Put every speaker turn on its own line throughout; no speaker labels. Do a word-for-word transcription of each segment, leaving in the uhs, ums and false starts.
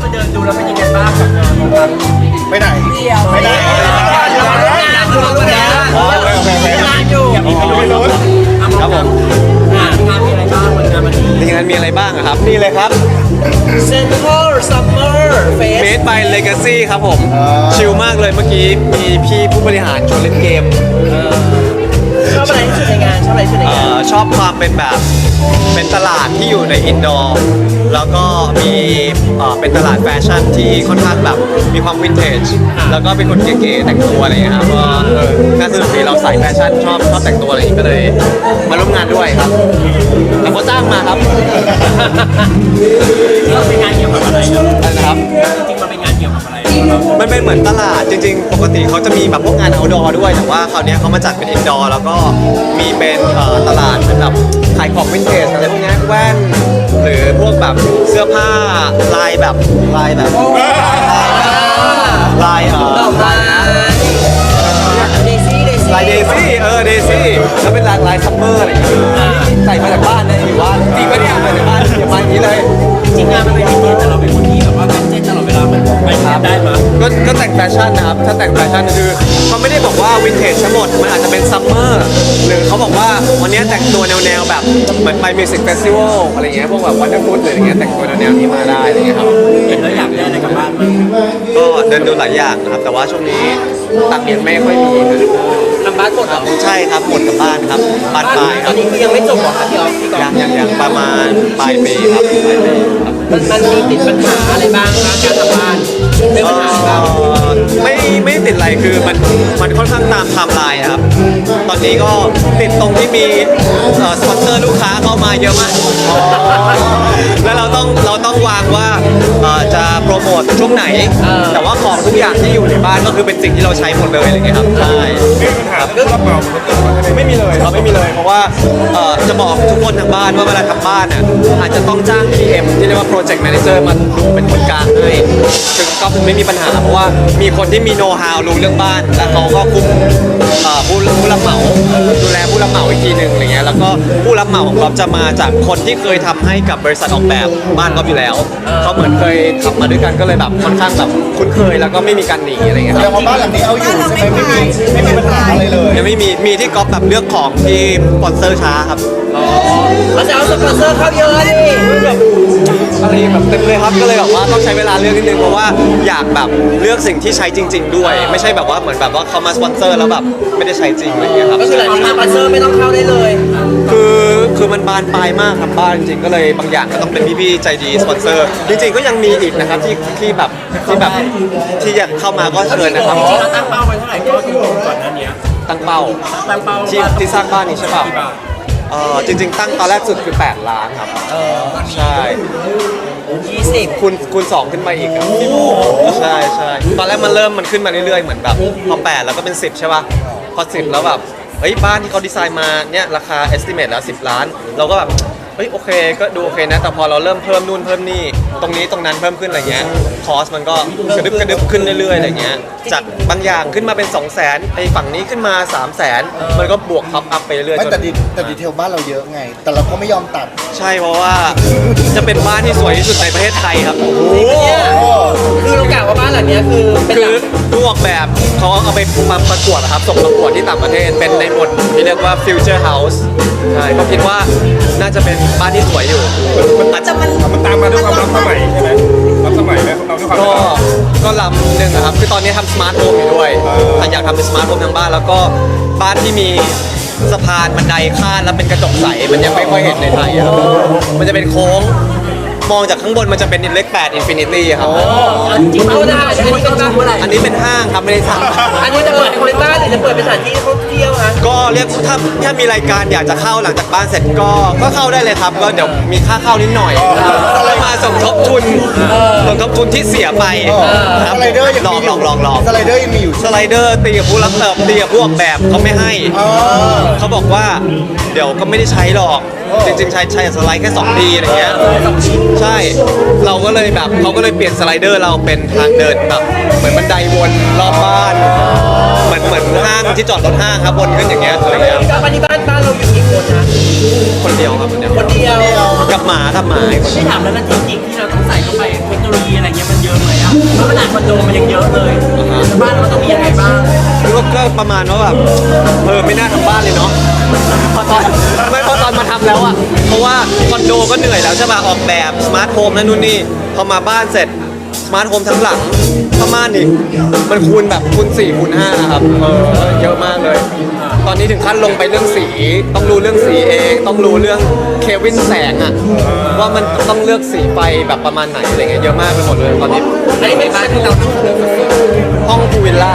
ไปเดินดูแล้วเป็นยังไงบ้างกับงานครับ
ไปไหนไปไหน
งานอยู่งานอยู่
ครับผม
งานมีอะไรบ้างงานวันนี้
งานมีอะไรบ้างครับนี่เลยครับ
Central Summer Fest
Made by Legacy ครับผมชิลมากเลยเมื่อกี้มีพี่ผู้บริหารชวนเล่นเกม
ชอบอะไรที่สุดในงานชอบอะไรที่สุดในงาน
ชอบความเป็นแบบเป็นตลาดที่อยู่ในอินดอร์แล้วก็มีเป็นตลาดแฟชั่นที่ค่อนข้างแบบมีความวินเทจแล้วก็เป็นคนเก๋ๆแต่งตัวอะไรอย่างเงี้ยครับก็น่าสนุกดีเราใส่แฟชั่นชอบชอบแต่งตัวอะไรอย่างเงี้ยก็เลยมาร่วมงานด้วยครับแต่เขาจ้างมาครับ
ก็เป็นงานเกี่ยวกับอะไร
นะครับ
จริงๆมันเป็นงานเกี่ยวกับอะไร
มันเป็นเหมือนตลาดจริงๆปกติเขาจะมีแบบพวกงาน outdoor ด้วยแต่ว่าคราวนี้เขามาจัดเป็น indoor แล้วก็มีเป็นตลาดเหมือนแบบขายของวินเทจอะไรพวกนี้แว่นหรือพวกแบบเสื้อผ้าลายแบบลายแบบลายเออลาย
เดซี่เดซี่
ลายเดซี่เออเดซี่แล้วเป็นลายลายซัมเมอร์อะไรอย่างเงี้ยใส่มาจากบ้านนะอยู่บ้านจริงปะเนี่ยมาจากบ้านอย่ามาอย่างนี้เลย
จริงงานมันเป็นวินเทจแต่เราเป็นคนที่แบบว่าเป็นเจนตลอดเวลามันไปได้ไหม
ก็ก็แต่งแฟชั่นนะครับถ้าแต่งแฟชั่นคือเขาไม่ได้บอกว่าวินเทจทั้งหมดมันอาจจะเป็นซัมเมอร์หรือเขาบอกว่าวันนี้แต่งตัวแนวๆแบบเหมือนไปมิวสิกเฟสติวัลอะไรเงี้ยพวกแบบวันเดอร์ฟูดหรืออะไรเงี้ยแต่งตัวแนวๆนี้มาได้อะไรเงี้ยครับ
เห็นแล้วอยากได้อะไรกลับบ้านมั้ย
ก็เดินดูหลายอย่างนะครับแต่ว่าช่วงนี้ตังค์ยังไม่ค่อยมี
ทำบ้านหมดเหรอ
ใช่ครับหมดกับบ้านครับบ้านปลายค
ต
รั
อบนนี้คือยังไม่จบหรอครับพี่ออฟพี่กอล์ฟ
ยังยังยังประมาณปลายปีครับปลายปีครับ
มันมันมีติดปัญหาอะไรบ้างคะการทำบ้านไม่ปัญหาบ้าง
ไม่ไม่ติดอะไรคือมันมันค่อนข้างตามไทม์ไลน์ครับตอนนี้ก็ติดตรงที่มีสปอนเซอร์ลูกค้าเข้ามาเยอะมากแล้วเราต้องเราต้องวางว่าจะโปรโมทช่วงไหนแต่ว่าของทุกอย่างที่อยู่ในบ้านก็คือเป็นสิ่งที่เราใช้หมดเลยอะไรเงี้ยครับใช่
เรื่องรับเหมา
ไม่มีเลยเราไม่มีเลยเพราะว่าจะบอกทุกคนทางบ้านว่าเวลาทำบ้านเนี่ยอาจจะต้องจ้าง พี เอ็ม ที่เรียกว่า Project Manager มาดูเป็นคนกลางให้ถึงก็ไม่มีปัญหาเพราะว่ามีคนที่มีโน้ตฮาวรู้เรื่องบ้านและเขาก็คุมผู้ผู้รับเหมาดูแลผู้รับเหมาอีกทีหนึ่งอะไรเงี้ยแล้วก็ผู้รับเหมาของเราจะมาจากคนที่เคยทำให้กับบริษัทออกแบบบ้านก็อยู่แล้วเขาเหมือนเคยทำมาด้วยกันก็เลยแบบค่อนข้างแบบคุ้นเคยแล้วก็ไม่มีการหนีอะไรเงี้ยครับ
แต่ว่าบ้านหลังนี้เอาอยู่ใช่ไหมไม่มีไม่มีปัญหาอะไรเลย
ยังไม่มีมีที่ก๊อฟแบบเลือกของที่สปอนเซอร์ช้าครับ
อ๋อแล้วจะเอาสปอนเซอร์เข้าเยอะดิ
แบบอะไรแบบเต็มเลยครับก็เลยแบบว่าต้องใช้เวลาเลือกนิดนึงเพราะว่าอยากแบบเลือกสิ่งที่ใช้จริงๆด้วยไม่ใช่แบบว่าเหมือนแบบว่าเขามาสปอนเซอร์แล้วแบบไม่ได้ใช้จริงอะไรเงี้ยครับ
ก็คือหลังจากสปอนเซอร์ไม่ต้องเข้าได้เลย
คือคือมันบานปลายมากครับบ้านจริงๆก็เลยบางอย่างก็ต้องเป็นพี่ๆใจดีสปอนเซอร์จริงๆก็ยังมีอีกนะครับที่ที่แบบที่แบบที่อยากเข้ามาก็เชิญนะครับ
จริงๆเราตั้งเป้าไว้เท่าไหร่ก็ที่ก่อนหน้านี้
ตั้งเป้า
ตั้งเป้า
ที่ที่สร้างบ้านนี้ใช่ป่ะเออจริงๆตั้งตอนแรกสุดคือแปดล้านครับ
เออ
ใช่
ยี่สิบ
คูณคูณสองขึ้นมาอีกครับใช่ใช่ตอนแรกมันเริ่มมันขึ้นมาเรื่อยๆเหมือนแบบพอแปดแล้วก็เป็นสิบใช่ป่ะพอสิบแล้วแบบเฮ้ยบ้านที่เขาดีไซน์มาเนี่ยราคา estimate แล้วสิบล้านเราก็แบบเฮ้ยโอเคก็ดูโอเคนะแต่พอเราเริ่มเพิ่มนู่นเพิ่มนี่ตรงนี้ตรงนั้นเพิ่มขึ้นอะไรเงี้ยคอสมันก็กระดึบกระดึบขึ้นเรื่อยๆอะไรเงี้ยจากบางอย่างขึ้นมาเป็น สองแสน ไอ้ฝั่งนี้ขึ้นมา สามแสน มันก็บวกท็อปอัพไปเรื่อยๆจน
แต่แต่ดีเทลบ้านเราเยอะไงแต่เราก็ไม่ยอมตัด
ใช่เพราะว่าจะเป็นบ้านที่สวยที่สุดในประเทศไทยครับ
คือเรากล่าวว่าบ้านหลังนี้คือเป็น
คือผู้ออกแบบเขาเอาไปมาประกวดครับส่งประกวดที่ต่างประเทศเป็นในหมวดที่เรียกว่า Future House ใช่ก็คิดว่าน่าจะเป็นบ้านที่สวยอยู่
มันอาจจะมันมันตามมาด้วยความรับสมัยใช่ไหมรับสมัยไหมเราด้วยความ
ก็ก็ล้ำหนึ่งนะครับคือตอนนี้ทำสมาร์ทโฮมอยู่ด้วยอยากทำเป็นสมาร์ทโฮมทั้งบ้านแล้วก็บ้านที่มีสะพานบันไดข้ามแล้วเป็นกระจกใสมันยังไม่ค่อยเห็นในไทยครับมันจะเป็นโค้งมองจากข้างบนมันจะเป็นเลขแปดอินฟินิตี้ครับ
จริงๆเอาได้อันนี้เป็นห้างอะไร
อันนี้เป็นห้างครับไม่ได้สร้าง
อันนี้จะเปิดเป็นบ้านหรือจะเปิดเป็นสถานที่ท่องเที่ยวคะ
ก็เรียกถ้าถ้ามีรายการอยากจะเข้าหลังจากบ้านเสร็จก็ก็เข้าได้เลยครับก็เดี๋ยวมีค่าเข้านิดหน่อยมาสมทบทุนสมทบทุนที่เสียไป
ครับสไลเดอร์ยัง
ลองลองลองลอง
สไลเดอร์ยังมีอยู่
สไลเดอร์ตีกับผู้รับเติบตีกับผู้ออกแบบเขาไม่ให้เขาบอกว่าเดี๋ยวก็ไม่ได้ใช้หรอกจริงๆใช้ใช้สไลด์แค่สองทีอะไรเงี้ยใช่เราก็เลยแบบเขาก็เลยเปลี่ยนสไลเดอร์เราเป็นทางเดินแบบเหมือนบันไดวนรอบบ้านเหมือนเหมือนห้างที่จอดรถห้างครับวนขึ้นอย่างเงี้ยอะไรเงี้ย
บ้านที่บ้านบ้านเราอยู่กี่คนนะ
คนเดียวครับคนเดียว
คนเดียว
กับหมากับหมา
ไม่ถามแล้วนะเทคนิคที่เราต้องใส่เข้าไปเทคนิคโนโลยีอะไรเงี้ยมันเยอะไหมอ่ะเพราะขนาดคอนโดมันยังเยอะเลยบ้านเราต้องมียังไงบ้าง
ก็ก็ประมาณว่าแบบเออไม่น่าทำบ้านเลยเนาะพอตอนไม่พอตอนมาทำแล้วอ่ะเพราะว่าคอนโดก็เหนื่อยแล้วใช่ป่ะออกแบบสมาร์ทโฮมนั่นนู่นนี่พอมาบ้านเสร็จสมาร์ทโฮมทั้งหลังผ้าม่านนี่มันคูณแบบคูณสี่คูณห้าครับเออเยอะมากเลย ตอนนี้ถึงขั้นลงไปเรื่องสีต้องรู้เรื่องสีเองต้องรู้เรื่องเควินแสงอ่ะว่ามันต้องเลือกสีไฟแบบประมาณไหนอะไรเงี้ยเยอะมากไปหมดเลยตอนนี้
อันนี้เป็นบ้านที่เราต้องเลือกสุด
ห้องพูลวิลล่า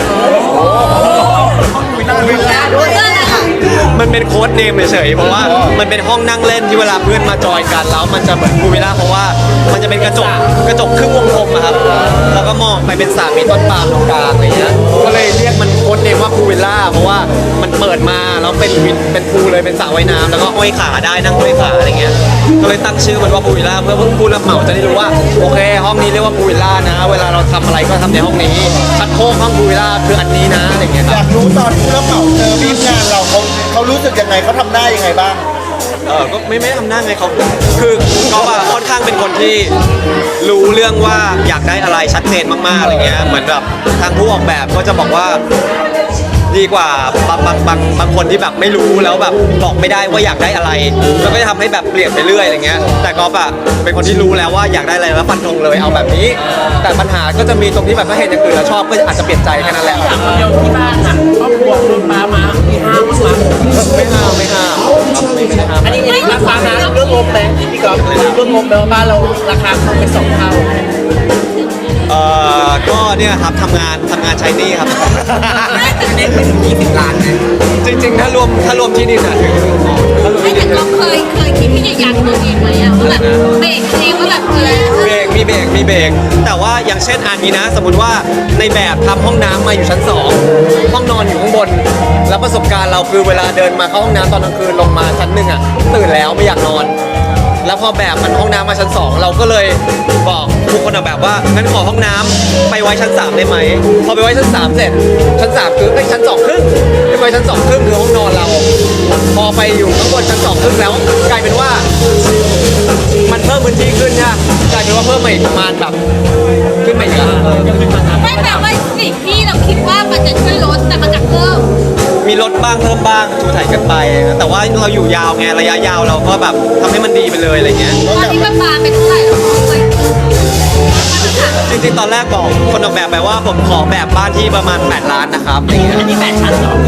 วิลล่าด้วย
มันเป็นโค้ดเนมเฉยๆเพราะว่ามันเป็นห้องนั่งเล่นที่เวลาเพื่อนมาจอยกันแล้วมันจะเหมือนพูลวิลล่าเพราะว่ามันจะเป็นกระจกกระจกครึ่งวงกลมอะครับแล้วก็มองไปเป็นสระมีต้นปาล์มตรงกลางอะไรเงี้ยก็เลยเรียกมันโค้ดเนมว่าพูลวิลล่าเพราะว่ามันเปิดมาแล้วเป็นวินเป็นพูลเลยเป็นสระว่ายน้ำแล้วก็ห้อยขาได้นั่งห้อยขาอะไรเงี้ยก็เลยตั้งชื่อมันว่าพูลวิลล่าเพื่อผู้รับเหมาจะได้รู้ว่าโอเคห้องนี้เรียกว่าพูลวิลล่านะเวลาเราทำอะไรก็ทำในห้องนี้ชักโครกห้องพูลวิลล่าคืออันนี้นะอะไรเงี้ยค
อ
รับ
ยากรู้ตอนผู้รับเหมาเจอบีบงานเราเขาเขารู้สึกยังไงเขาทำได้ยังไงบ้าง
เออก็ไม่ไม่ทำหน้าไงเขาคือเขาอะค่อนข้างเป็นคนที่รู้เรื่องว่าอยากได้อะไรชัดเจนมากๆอะไรเงี้ยเหมือนแบบทางผู้ออกแบบก็จะบอกว่าดีกว่าบางบางบางบางคนที่แบบไม่รู้แล้วแบบบอกไม่ได้ว่าอยากได้อะไรแล้วก็จะทำให้แบบเปลี่ยนไปเรื่อยอะไรเงี้ยแต่ก็แบบเป็นคนที่รู้แล้วว่าอยากได้อะไรแล้วฟันธงเลยเอาแบบนี้ แต่ปัญหาก็จะมีตรงที่แบบถ้าเห็นอย่างอื่นแล้วชอบก็อาจจะเปลี่ยนใจแค่นั้นแหละ
จากคนเดียวที่บ้านอ่ะครอบครัวคุณป้ามามีห้ามมั้ง
ไม่ห้ามไม่ห้ามครับไม่ไม่ได้ห้าม
อันนี้ไม่ราคานะเรื่องงบไหมพี่ก๊อฟเรื่องงบแปลว่าบ้านเราราคาเพิ่มไปสองเท่า
เอ่อก็เนี่ยครับทำงานทำงานใช้หนี้ครับ
อันนี้เป็นยี่สิบล้านนะ
จริงๆ ถ้ารวมถ้ารวมที่ดินอะถึงถ้ารวม
ไม่
ที่ดิ
แต่
น
ก็เคยเคยคิดที่จะยันตัวเองไหมอะว่าแบบเบรกเองว่าแบบเออ
เบรกมีเบรกมีเบรกแต่ว่าอย่างเช่นอันนี้นะ สมมติว่าในแบบทำห้องน้ำมาอยู่ชั้นสองห้องนอนอยู่ข้างบน แล้วประสบการณ์เราคือเวลาเดินมาเข้าห้องน้ำตอนกลางคืนลงมาชั้นหนึ่งอะตื่นแล้วไม่อยากนอน แล้วพอแบบมันห้องน้ำมาชั้นสองเราก็เลยบอกทุกคนออกแบบว่างั้นขอห้องน้ำไปไว้ชั้นสามได้ไหมพอไปไว้ชั้นสามเสร็จชั้นสามคือไอ้ยชั้นสองครึ่งไปไว้ชั้นสองครึ่งคือห้องนอนเรา พอไปอยู่ข้างบนชั้นสองครึ่งแล้ว กลายเป็นว่า มันเพิ่มพื้นที่ขึ้นเนี่ยกลายเป็นว่าเพิ่มมาอีกประมาณแบบขึ้นมาอีกอะเออ
ไม่แบบว่าสิ่งที่เราคิดว่ามันจะช่วยลดแต่มันกลับเพิ่ม
มีลดบ้างเพิ่มบ้างถูถ่ายกันไป แต่ว่าเราอยู่ยาวไงระยะยาวเราก็แบบทำให้มันดีไปเลยอะไรเงี้ย
ตอนนี้มันบานเป็นเท่าไหร่แล้วคะเลย
จริงๆ ตอนแรกบอกคนออกแบบไปว่าผมขอแบบบ้านที่ประมาณแปดล้านนะครับอย่างเงี้ย
อันนี้แปดชั้นเหรอ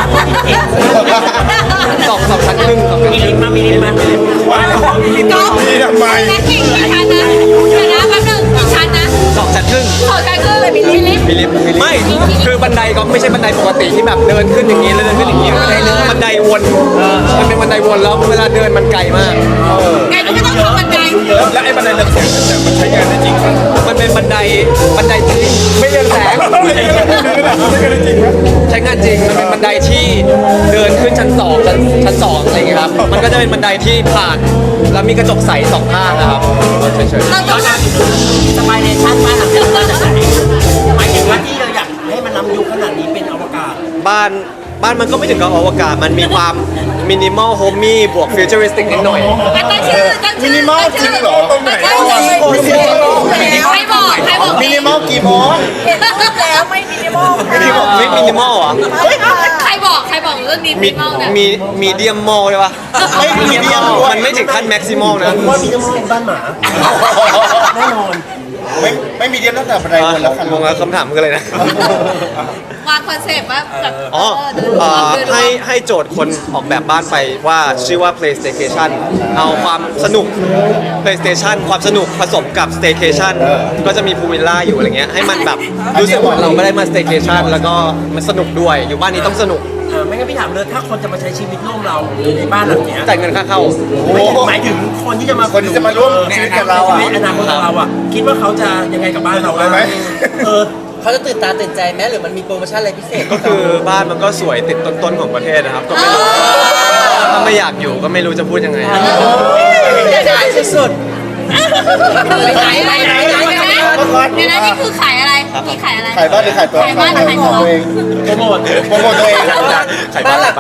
สองสองชั้นครึ่งสองชั้น
มี
ค
ลิ
รึ่
ฟ
ง
ต์มามีลิฟต์มามีลิฟต์มาว้าวมีลิฟต์
ก็
มา
นี่ทำไม
นักเก่งกี่ชั้นนะเดี๋ยวนะแป๊บนึงกี่ชั้นนะ
สองชั้นครึ่ง
ขอใจเพิ่มเลยมีลิฟต์
มีลิฟต์ไม่คือบันไดก็ไม่ใช่บันไดปกติที่แบบเดินขึ้นอย่างนี้แล้วเดินขึ้นอย่างนี้บันไดเดินบันไดวนมันเป็นบันไดวนแล้วเวลาเดินมันไกลมาก
ไงก็ไม่ต้องทำบันได
แล้วแล้วไอ้บันไดเรืองแสงเนี่ยมันใช้งานได้จริงไหม
มันเป็นบันไดบันไดจริงไม่เรืองแสง
ใช้งานได้จริงไหม
ใช้งานจริงมันเป็นบันไดที่เดินขึ้นชั้นสองชั้นชั้นสองอะไรอย่างเงี้ยครับมันก็จะเป็นบันไดที่ผ่านแล้วมีกระจกใสสองข้างนะครับเฉย
เรา
ย้
ต้
อ
อน ง
กลับสบายในชั้นบ้านหลังนี้มาจากไหนหมายถึงว่าที่เราอยากให้มันล้ำยุคขนาดนี้เป็นอวกาศ
ๆบ้านบ้านมันก็ไม่ถึงกับอวกาศมันมีความมินิมอลโฮมมี่บวกฟิวเจอริสติกนิดหน่อย
ตั้งชื่อตั้ง
มิ
ชื่อ
นิมอลจริงเหรอ
ตรงไหน
ตั้งชื่อ
โอ้ยมินิมอล
ใครบอกใครบอก
มินิมอลกี่โมง
เห็นแล้วไม่มินิมอล
มินิมอลไม่มินิมอลเหรอ
ใครบอกใครบอกเรื่องนี้มิ
มี
นิมอลเนี่ย
มีมีเดียมมอลใช่ปะ
ไม่มีเดียมด้วย
มันไม่ถึงขั้นแม็กซิมอลนะ
ว่ามีน้ำมันบ้านหมาแน่นอน
ไม่ไม่มีเดียมตั้งแต่บันไดวนแล้วค่ะ
งงแล้วคำถามคืออะไรนะ
วางคอนเซปต์ว่าแบบ
อ๋อ
เดิน
เอ่อ
เดิน
ให้ให้โจทย์คนออกแบบบ้านไปว่าชื่อว่า PlayStation เอาความสนุก PlayStation ความสนุกผสมกับ Staycation ก็จะมีพูลวิลล่าอยู่อะไรเงี้ยให้มันแบบรู้สึกว่าเราไม่ได้มา Staycation แล้วก็มันสนุกด้วยอยู่บ้านนี้ต้องสนุก
เออไม่งั้นพี่ถามเลยถ้าคนจะมาใช้ชีวิตร่วมเราในบ้านหลังเนี้ย
จ่ายเงินค่าเข้า
ไม่ถึงหมายถึงคนที่จะมา
คนที่จะมาร่วมชีวิตกับเราอ่ะ
ในอนาคตของเราอ่ะคิดว่าเขาจะยังไงกับบ้านเรา
ได้ไหม
เออ
เขาจะตื่นตาตื่นใจไหมหรือมันมีโปรโมชั่นอะไรพิเศษ
ก็คือบ้านมันก็สวยติดต้นๆของประเทศนะครับก็ไม่รู้ถ้าไม่อยากอยู่ก็ไม่รู้จะพูดยังไง
ขายสุด
ขายอะไรขายอะไรเดี๋ยวนะนี่คือขายอะไรนี่ขายอะไร
ขายบ้านหรือขายตัว
ขายบ้านหรือขายตัว
ตัวเอง
โปรโมท
โปรโมทตัวเอง
ขายบ้านขายบ้าน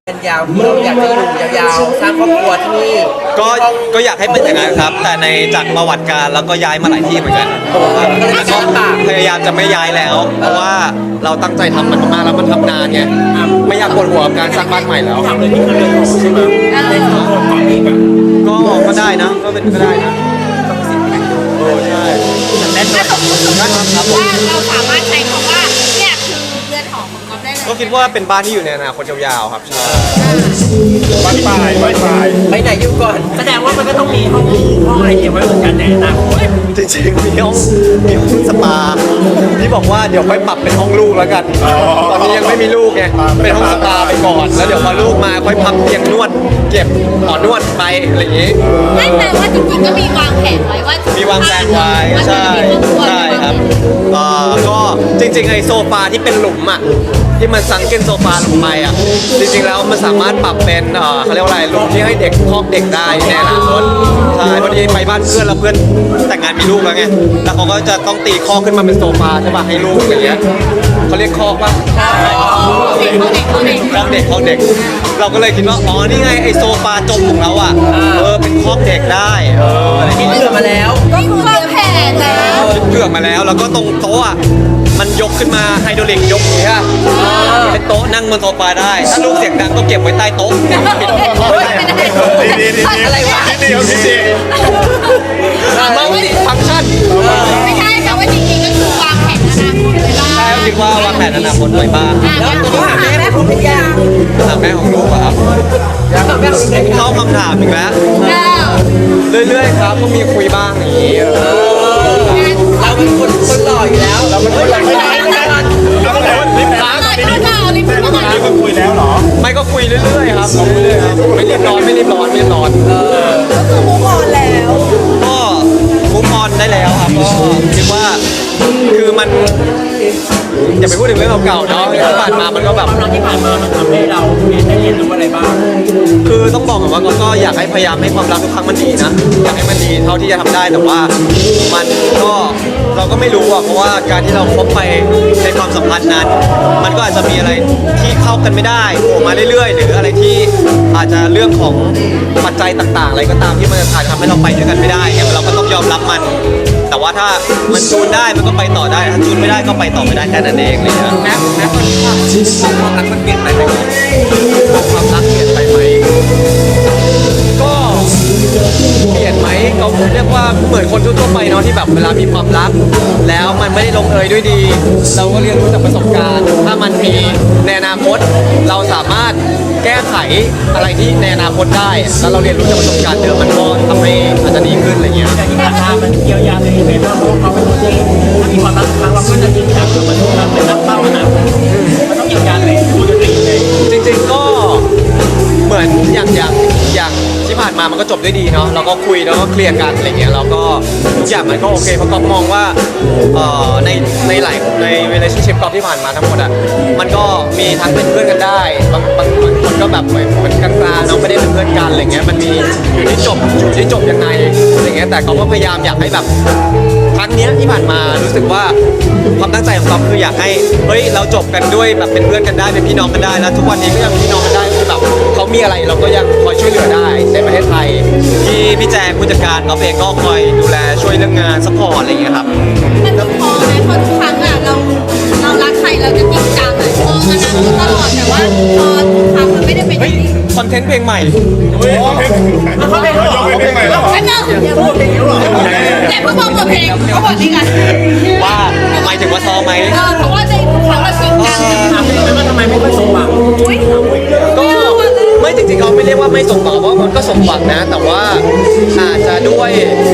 เป็นยาวที่เราอยากจะอยู่ยาวๆสร้างครอบครัวที่นี่
ก็ก็อยากให้เป็นอย่างนั้นครับ แต่ในจากประวัติการแล้วก็ย้ายมาหลายที่เหมือนกันเพราะว่าก็พยายามจะไม่ย้ายแล้ว เพราะว่าเราตั้งใจทำมันมากๆแล้วมันทำนานไงไม่อยากปวดหัวกับการสร้างบ้านใหม่แล้ว
ทำเลยที่มันเลยใช่ไหมในทั้งหมดก่อนนี้แบบ
ก็ก็ได้นะก็เป็นก็ได้นะโอ้ใช่
ถ้าสมมติสมมติว่าเราสามารถใช้คำว่าเนี่ยคือเรือนหอของก๊อฟได้เลย
ก็คิดว่าเป็นบ้านที่อยู่ในอนาคตยาวๆครับใช่
บ้านปลายบ้านปลาย
ไปไหนอยู่ก่อน
แสดงว่ามันก็ต้องมีห้องห้องอะไรเก็บไว้เหมือนกันแน่นะ
จริงๆมีห้องมีห้องสปาที่บอกว่าเดี๋ยวค่อยปรับเป็นห้องลูกแล้วกัน ตอนนี้ยังไม่มีลูกไงเป็นห้องสปาไปก่อนแล้วเดี๋ยวพอลูกมาค่อยพับเตียงนวด เก็บหมอนวดไปอะไรอย่างงี้
ไม่แต่ว่าจริงๆก็มีวางแผนไว้ว่า
มีวางแผนไว้ใช่ใช่ครับเอ่อก็จริงๆไอโซฟาที่เป็นหลุมอ่ะที่มันซังเกินโซฟาลงไปอ่ะจริงๆแล้วมันสามารถปรับเป็นเอ่อเขาเรียกว่าอะไรหลุมที่ให้เด็กครอบเด็กได้ในอนาคตใช่พอดีไปบ้านเพื่อนแล้วเพื่อนแต่งงานมีลูกแล้วไงแล้วเขาก็จะต้องตีคอกขึ้นมาเป็นโซฟาใช่ป่ะให้ลูกอะไรเงี้ยเขาเรียกคอกป่ะ
เด็กเขาเด็กเขาเด็ก
คอกเด็กคอกเด็ก เราก็เลยคิดว่าอ๋อนี่ไงไอโซฟาจมของเราอ่ะเออเป็นคอกเด็กได้เอออะไรอย่าง
คิด
เงี้ย
เผื่อมาแล้ว
ก็คือวางแผนแล้ว
คิดเผื่อมาแล้วแล้วก็ตรงโต๊ะอะมันยกขึ้นมาไฮดรอลิกยกอย่างเงี้ยเป็นโต๊ะนั่งบนโซฟาได้ ถ้าลูกเสียงดังก็เก็บไว้ใต้โต๊ะปิดไม่ได้
ดีดีดี
อะไรวะ
ดีดีดีดี
มัลติฟังก์ชัน
ไม่ใช่แต่ว่าจริงๆก็คือวางแผนอนาคตไว้บ้าง
ใช่คิดว่าวางแผนอนาคตไว้บ้าง
แล้วตัวนี้หาแม่แม่พูดเป็นยัง
ถามแม่ของลูกอะครับ
ยังแม่พูดเป็นยัง
เข้าคำถามอีกแล้ว
แล้ว
เรื่อยๆครับก็มีคุยบ้างอย่างนี้เออ
เราเป็นคนคนหล่ออยู่แล้วเราเป็นคนหล่ออยู่แล้ว
เอาแล้วรีบ
ตอนนี้เราเอาลิฟต์มาก่อน
มีคนคุยแล้วเหรอ
ไม่ก็คุยเรื่อยๆครับคุยเรื่อยๆครับไม่รีบนอนไม่รีบนอนไม่รีบนอน
ก็คือมุกออนแล้ว
ก็มุกออนได้แล้วครับก็คิดว่าคือมันอย่าไปพูดถึงเรื่องเก่าๆเนาะที่ผ่านมามันก็แบบ
ความรักที่ผ่านมามันทำให้เราได้เรียนรู้อะไรบ้าง
คือต้องบอกก่อนว่าก็อยากให้พยายามให้ความรักทุกครั้งมันดีนะอยากให้มันดีเท่าที่จะทำได้แต่ว่ามันก็เราก็ไม่รู้อะเพราะว่าการที่เราคบไปในความสัมพันธ์นั้น มันก็อาจจะมีอะไรที่เข้ากันไม่ได้โผล่มาเรื่อยๆ หรืออะไรที่อาจจะเรื่องของปัจจัยต่างๆ อะไรก็ตามที่มันจะทำให้เราไปด้วยกันไม่ได้เนี่ยเราก็ต้องยอมรับมัน แต่ว่าถ้ามันจูนได้มันก็ไปต่อได้ถ้าจูนไม่ได้ก็ไปต่อไม่ได้แค่นั้นเองเลยนะ
แม่แม่ตอนนี้ความรักมันเปลี่ยนไปไหม
ความรักเปลี่ยนไปไหมก็เปลี่ยนไหมเขาเรียกว่าเหมือนคนทั่วๆไปเนาะที่แบบเวลามีความรัก แล้วมันไม่ได้ลงเอยด้วยดี เราก็เรียนรู้จากประสบการณ์ ถ้ามันมีในอนาคต เราสามารถแก้ไขอะไรที่ในอนาคตได้ แล้วเราเรียนรู้จากประสบการณ์เดิมมันก็ทำให้อาจจะดีขึ้นอะไรเงี้ย
แต่ที่ผ่านมามันเยียวยาตัวเองไปบ้างเพราะว่าเขาเป็นคนที่ถ้ามีความรักครั้งเราก็จะจริงจังกับมันทุกครั้งเป็นนักเป้านะมันต้องเยียวยาตัวเองดูตัวเองเลย
จริงๆก็เหมือนอย่างอย่างอย่างที่ผ่านมามันก็จบด้วยดีเนาะเราก็คุยแล้วก็เคลียร์กันอะไรเงี้ยแล้วก็ทุกอย่างมันก็โอเคเพราะก็มองว่าเอ่อในในหลายใน relationship กอล์ฟที่ผ่านมาทั้งหมดอ่ะมันก็มีทั้งเป็นเพื่อนกันได้บางบางบางคนก็แบบเหมือนมันกลางๆเนาะไม่ได้เป็นเพื่อนกันอะไรเงี้ยมันมีอยู่ที่จบอยู่ที่จบยังไงอะไรเงี้ยแต่เขาก็พยายามอยากให้แบบ ครั้งเนี้ยที่ผ่านมารู้สึกว่าความตั้งใจของเราคืออยากให้เฮ้ยเราจบกันด้วยแบบเป็นเพื่อนกันได้เป็นพี่น้องกันได้แล้วทุกวันนี้ก็ยังเป็นพี่น้องกันได้คือแบบเขามีอะไรเราก็ยังคอยช่วยเหลือได้ในประเทศไทยที่พี่แจงผู้จัดการเขาเองก็คอยดูแลช่วยเรื่องงานซัพพอร์ตอะไรอย่างเงี้ยครับ
มันต้องพอไหมเพราะทุกครั้งอะเราเรารักใครเราจะจริงจังอะมองอนาคตตลอดแต่ว่าพอทุกครั้งมันไม่ได้เป็นอ
เฮ้ย
ย่างนี้
คอนเทนต์เพลงใหม่
เฮ้ยเขาเป็นเขาเป็นเพลงใหม่แล้วเหรอ
แป๊บนึงอย่าพูดเพลงหรออย่าเพิ่งบอกเปิดเพลงเขาบอกนี่กัน
ว่าหมายถึงว่าซ้อมไหม
เออเพราะว่าในทุกครั้งเราจริงจัง
ถามได้ไหมว่าทำไมไม่ค่อยสมหวัง
อุ้ย
ก็ไม่จริงๆเขาไม่เรียกว่าไม่สมหวังเพราะว่ามันก็สมหวังนะ แต่ว่าอาจจะด้วย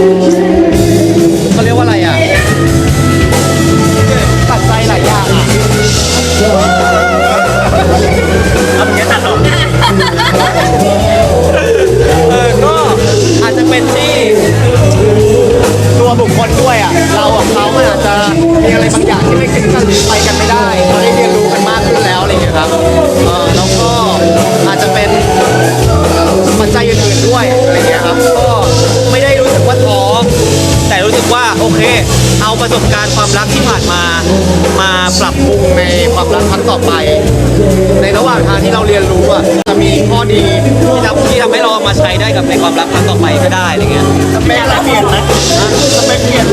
เขาเรียกว่าอะไรอ่ะปัจจัยหลายอย่างอ่ะ
เอาอย่างนี้ตัดออก
เออก็อาจจะเป็นที่ตัวบุคคลด้วยอ่ะเรากับเขามันอาจจะมีอะไรบางอย่างที่ไม่คิดกันไปกันไม่ได้เราได้เรียนรู้กันมากขึ้นแล้วอะไรอย่างเงี้ยครับเออแล้วก็อาจจะเป็นปัจจัยอื่นๆด้วยอะไรเงี้ยครับก็ไม่ได้รู้สึกว่าท้อแต่รู้สึกว่าโอเคเอาประสบการณ์ความรักที่ผ่านมามาปรับปรุงในความรักครั้งต่อไป ในระหว่างทางที่เราเรียนรู้อ่ะจะมีข้อดีที่ทำที่ทำให้เราเอามาใช้ได้กับในความรักครั้งต่อไปก็ได้อะไรเงี้ย
สเปคเราเปลี่ยนไหมสเปคเปลี่ยนไหม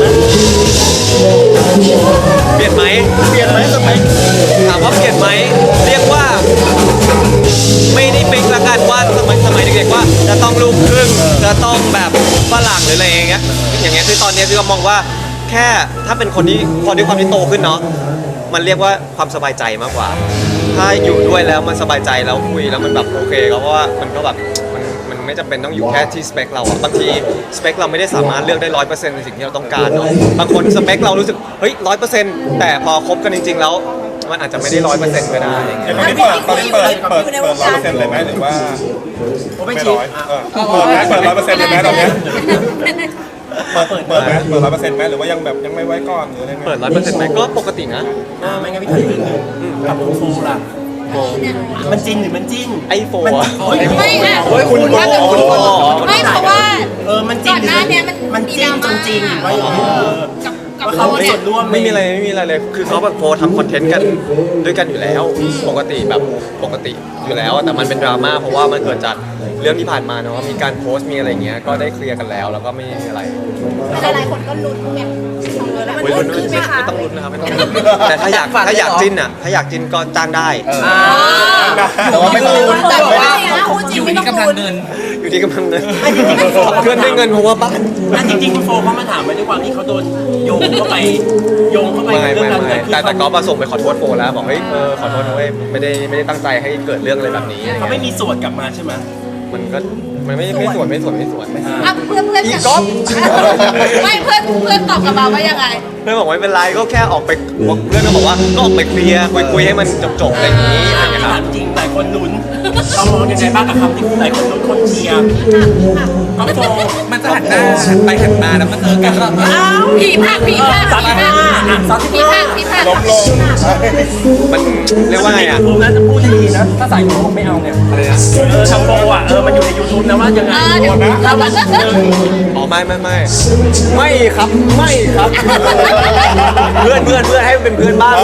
เปลี่ยนไหม
เปลี่ยนไหมสเปค
ถามว่าเปลี่ยนไหมเรียกว่าไม่ได้ฟิกละกันว่าสมัยสมัยเด็กๆว่าจะต้องลูกครึ่งจะต้องแบบฝรั่งหรืออะไรอย่างเงี้ยอย่างเงี้ยคือตอนเนี้ยพี่ก็มองว่าแค่ถ้าเป็นคนที่พอด้วยความที่โตขึ้นเนาะมันเรียกว่าความสบายใจมากกว่า ถ้าอยู่ด้วยแล้วมันสบายใจแล้วคุยแล้วมันแบบโอเคก็เพราะว่ามันก็แบบมันมันไม่จำเป็นต้องอยู่แค่ที่สเปคเราอะบางทีสเปคเราไม่ได้สามารถเลือกได้ร้อยเปอร์เซ็นต์ในสิ่งที่เราต้องการเนาะบางคนสเปคเรารู้สึกเฮ้ยร้อยเปอร์เซ็นต์แต่พอคบกันจริงๆแล้วมันอาจจะไม่ได้ร้อยเปอร์เซ็นต์ก็ได้อย่างเงี้ย
ตอนนี้เปิดตอนนี้เปิดเปิดเปิดร้อยเปอร์เซ็นต์เลยไหมหรือว่าไม่ร้อยเออเปิดไหมเปิดร้อยเปอร์เซ็นต์เลยไหมตอนเนี้ยเปิดเปิดเปิดไหมเปิดร้อยเปอร์เซ็นต์ไหมหรือว่ายังแบบยังไม่ไว้ก่อนหรืออะไรไง
เปิดร้อยเปอร์เซ็นต์ไหมก็ปกตินะ
อ่าไม่งั้นพี่ถามจริงกับโฟล่ะมันจริงหรือมันจิ้น
ไอโฟน
ไม่ค่ะ
โอ้ยคุณโบ
ไม่เพราะว่า
เออมันจริ
ก่
ง
อนหน้าเนี้ยมัน
มันจริงจริงๆหรือว่าอย่างเออ
กับกับ
ว่า
เขา
เขามี
เนี่
ส่
ย
วนร่วม
ไม่มีอะไรไม่มีอะไรเลยคือเขาแบบโพสทำคอนเทนต์กันด้วยกันอยู่แล้ว ปกติแบบปกติอยู่แล้วแต่มันเป็นดราม่าเพราะว่ามันเกิดจากเรื่องที่ผ่านมาเนาะมีการโพสต์มีอะไรเงี้ยก็ได้เคลียร์กันแล้วแล้วก็ไม่มีอะไร
หลายๆคนก็ลุ้นไงแล้วมัน
โอ้ย
ลุ้
ลุ้
น
น
ขึ้นไหมคะ
ไม่ต้องลุ้นนะครับไม่ต้องลุ้นแต่ถ้าอยากถ้าอยากจิ้นอ่ะถ้าอยากจิ้นก็จ้างได้
แต่ว่าไม่ต้องลุ้น
แต่
แต่
ว่า
ว่า
คู่จริงไม่ต้องลุ้น
อยู่ที่กำลังเงินเพื่อนได้เงินเพราะว่าบ้าน
แล้วจริงๆคุณโฟเขามาถามไปด้วยความที่เขาโดนโยงเข้าไปโยงเข้าไป
ไม่
กับเรื่อ
ไม่
งการ
ไม่
เกิดขึ้น
แต่แต่ก็ประสงค์ไปขอโทษโฟแล้วบอกเฮ้ยเออขอโทษนะเว้ยไม่ได้ไม่ได้ตั้งใจให้เกิดเรื่องอะไรแบบนี้อะไร
เขา
เงี้
ไม่
ย
มีส่วนกลับมาใช่ไหม
มันก็มันไม่ไม่สวนไม่สวนไม่สวน
อ่ะเพื่อนเพื่อน
อีก๊อฟ
ไม่เพื่อนเพื่อนตอบกลับมาว่ายังไง
เพื่อนบอกไม่เป็นไรก็แค่ออกไปเพื่อนก็บอกว่าก็ออกไปเคลียร์คุยคุยให้มันจบจบๆอะไรอย่างนี้อะไรอย่างเงี้ยครับ
ถามจริงหลายคนลุ้นเรามองยังไงบ้างกับคำที่หลายคนลุ้นคนเชียร์ก็โฟ
มันจะหันหน้าหันไปหันมาแล้วมันเจอกันแล้ว
อ้าวผีผักผีผัก
ซัด
ผี
ห
ผั
น้าก อ่ะซัด
ผี
หน้า
ผักผีผัก
ล้มลง
มันเรียกว่าไงอ่ะ
ยูทูบนะจะพูดดีๆนะถ้าสายโฟไม่เอาเนี่ย
อะไรนะ
เออทำโฟอ่ะเออมันอยู่ในยูทูบนะว่ายังไง
เออเดี๋ยว
นะ
เราแบบเออ
อ๋อไม่ไม่ไม่ไม่ครับไม่ครับ เพื่อนเพื่อนเพื่อนให้เป็นเพื่อนบ้าง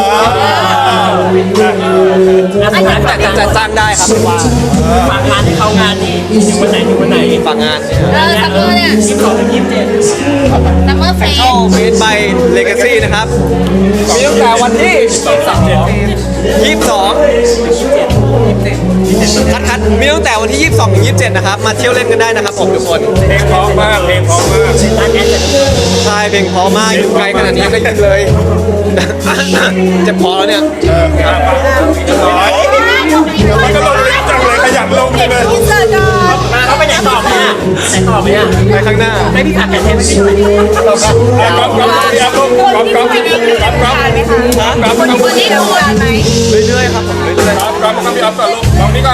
แล้วสุดท้ายฝาก
จะ
งาน
จ้างได้ครับว่า
ฝากงานให้เขางานนี่ถึงวันไหนถึงวันไหน
ฝากงานเนี่ย
เออซัมเมอร์เนี่ย
ยี่สิบสองถึงยี่สิบเจ็ด
ซัมเมอร์เฟส
เข้าเฟสไปเลกาซี่นะครับมีตั้งแต่วันที่
สองสามเจ็ด
ยี่สิบสองคัดคัดมีตั้งแต่วันที่ยี่สิบสองถึงยี่สิบเจ็ดนะครับมาเที่ยวเล่นกันได้นะครับผมทุกคน
เพลงเพร้อมมากเพลงเพร้อมมาก
ร้านแอดเลย
ใช่เพลงเพอมากอยู่ไกลขนาดนี้ยังได้ยินเลย เจ็บคอแล้วเนี่ย
น้อยมันก็ลงลิฟต์จังเลยขยันลงเลย
อินเสิร์ตก่อน
มาเขาไปไหนต่อไหมอ่ะไหนต่อไหมอ่ะ
ไปข้างหน้า
ไม่พี่ผักกันเทปไม่ใช่ไหม
ก๊อฟก๊อฟเรียบก๊อฟก๊อฟก๊อฟก๊อฟก๊อฟก๊อฟ
คนที่ดูงานไหม
เรื่อยๆครับผมเรื่อยๆ
ก๊อฟก๊อฟต้องพี่ออฟก่อนลูกน้องนี่ก่อน